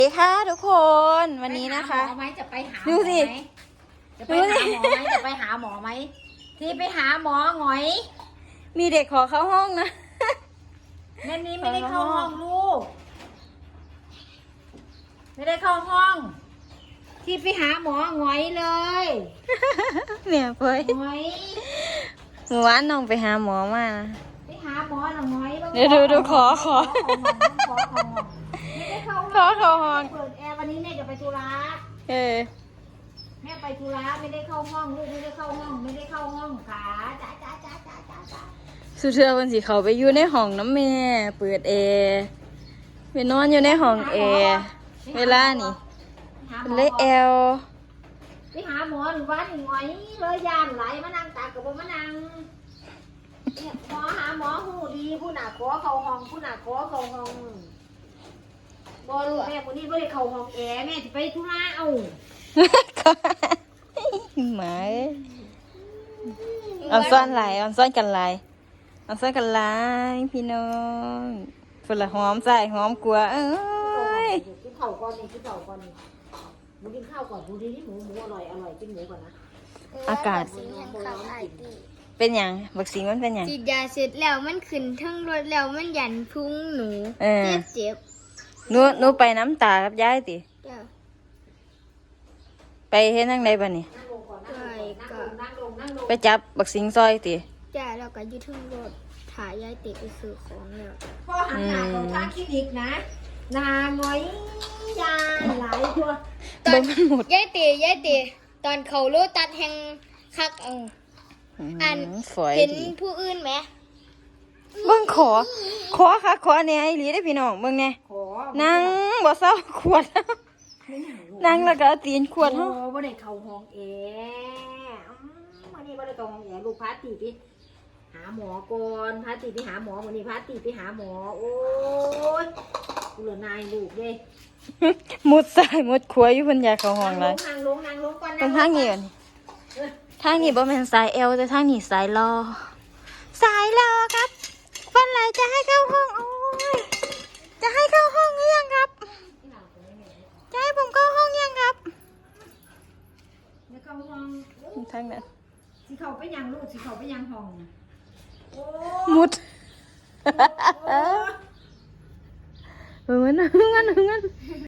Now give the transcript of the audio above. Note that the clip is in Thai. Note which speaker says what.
Speaker 1: สวัสดีค่ะทุกคนวันนี้นะคะ
Speaker 2: หมอไหมจะไปหาหม
Speaker 1: ดู
Speaker 2: อ
Speaker 1: สิ
Speaker 2: ไหมจะไปหาหมอไหมจะไปหาหมอไหมที่ไปหาหมอหงอย
Speaker 1: มีเด็กขอเข้าห้องนะ
Speaker 2: แม่นี้ไม่ได้เข้าห้องลูกไม่ได้เข้าห้อง ที่ไปหาหมอหงอยเลย
Speaker 1: เนี่ยเฟ้ย
Speaker 2: หงอย
Speaker 1: เมื่อวานน้องไปหาหมอมานะ
Speaker 2: ไปหาหมอหน่อยหงอย
Speaker 1: เดี๋ยวดูขอ
Speaker 2: ไม่ได้เข้า
Speaker 1: เข้าห้อง
Speaker 2: เปิดแอร์วันนี้แม่จะไปธุระ
Speaker 1: เออ
Speaker 2: แม่ไปธุระไม่ได้เข้าห้องลูกไม่ได้เข้าห้องไม่ได้เข้าห้องขาจ้า
Speaker 1: สุดเทือวันสิเขาไปอยู่ในห้องน้ำแม่เปิดแอร์ไปนอนอยู่ในห้องแอร์เวลานี่เป็นเลยแอล
Speaker 2: ไปหาหมอหนึ่งวันหนึ่งหงอยเลยยานไหลมานั่งตากับมานั่งเนี่ยหมอหาหมอหูดีผู้หนาขอเข้าห้องผู้หนาขอเข้าห้องบอลูกแม่คนนี้ไม่ได้เข้าห้องแอร์แม่จะไปธุระเอา
Speaker 1: หมาเอ้ยออนซ่อนหลายออนซ่อนกันหลายออนซ่อนกันหลายพี่น้องฝุ่นละหอมใส่หอมกลัวเอ้ย
Speaker 2: กินข้าวก่อนนี่กินข้าวก่อนนี่หมูกินข้าวก่อนดูดิหมูอร่อยกินหมูก่อนนะ
Speaker 1: อากาศ
Speaker 3: สิงแห่งเขาไอตี
Speaker 1: เป็นหยังบักสิงมันเป็นหยัง
Speaker 3: ฉีดยาเสร็จแล้วมันขึ้นทั้งรถแล้วมันหยันพุงหนู
Speaker 1: เออ
Speaker 3: เจ็บ
Speaker 1: หนูไปน้ำตากับยายติ
Speaker 3: จ้ะ
Speaker 1: ไปเฮ็ดทางใดบัดนี้
Speaker 2: นั่งลงก่อนนั่งลง
Speaker 1: ไปจับบักสิงซอยติ
Speaker 3: จ้ะแล้วก็อยืดทั้งรถถ่ายยายติไปซื้อของแล้ว
Speaker 2: พ่อหันหน้าของทางคลินิกนะนาหงอยยาหลายตัว
Speaker 3: ตอ
Speaker 1: เบิ่
Speaker 3: น
Speaker 1: งมันหมด
Speaker 3: ยายติตอนเขาโลตัดแห่งคักอัน
Speaker 1: ฝอย
Speaker 3: เห็น
Speaker 1: ดี
Speaker 3: ผู้อื่นไหม
Speaker 1: เบิ่งขอค่ะขอแหน่อีหลีได้อพี่น้องเบิ่งแหน่
Speaker 2: ขอ
Speaker 1: นั่งบ่เศร้าขวดนั่งแล้วก็เอาตีนขวด
Speaker 2: โอ้
Speaker 1: เฮา
Speaker 2: บ่ได้เข้าห้องแอร์วันนี้บ่ได้เข้าห้องแอร์ลูกพาตีไปหาหมอก่อนพาตีไปหาหมอวันนี้พาตีไปหาหมอโอ้ยกูเหลือนายลูกเด้
Speaker 1: มุดซ้ายมุดขวาอยู่เพิ่นอยากเข้าห้องหลาย
Speaker 2: นั่งลงก่อน
Speaker 1: ตรงทางนี้ก่อนนี่ทางนี้บ่แม่นสายเอวแต่ทางนี้สายรอสายรอครับวันไหนจะให้เข้าห้องโอ้ยจะให้เข้าห้องหรือยังครับจะให้ผมเข้าห้องยังครับ
Speaker 2: เดี๋ยวเข้าห้อง
Speaker 1: ทางนั้น
Speaker 2: สิเข้าไปยังลูกสิเข้าไปยังห้องโอ้
Speaker 1: มุด
Speaker 2: โอ้
Speaker 1: เออมัน